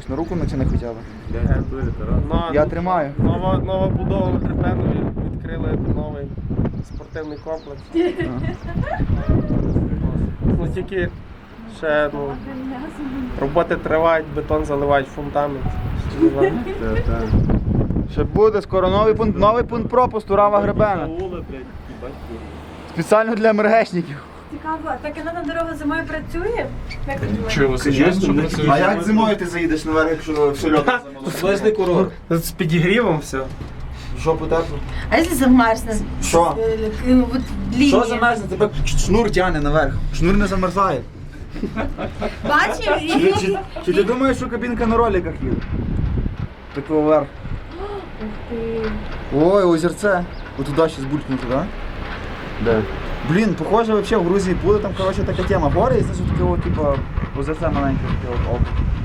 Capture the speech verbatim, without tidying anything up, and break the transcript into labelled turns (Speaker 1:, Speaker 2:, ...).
Speaker 1: На руку натяни хоча б.
Speaker 2: На-
Speaker 1: Я тримаю.
Speaker 2: Нова, нова будова на Гребенові, відкрили новий спортивний комплекс. Ну тільки ще ну, роботи тривають, бетон заливають, фундамент.
Speaker 1: Ще буде скоро новий пункт, новий пункт пропусту Рава Гребена. Спеціально для МРГшників.
Speaker 3: Цікаво, так і на дорога зимою працює? Як ти думаєш?
Speaker 1: А як зимою ти заїдеш наверх, якщо все льот замолоно?
Speaker 4: Власний курорт.
Speaker 2: З підігрівом все.
Speaker 1: Жопу тепло?
Speaker 3: А якщо замерзне?
Speaker 1: Що?
Speaker 3: Ну, от лінія.
Speaker 1: Що замерзне? Тебе шнур тягне наверх. Шнур не замерзає.
Speaker 3: Бачив?
Speaker 1: Чи, ти- чи, чи ти думаєш, що кабінка на роликах їде? Так вверх.
Speaker 3: Ух ти.
Speaker 1: Ой, озерце. От туди ще збулькнути, так?
Speaker 4: Да.
Speaker 1: Блін, похоже, вообще в Грузії буде там, коротше, така тема. Гори і знизу таке, от, типа, озерце маленьке, таке от, оп.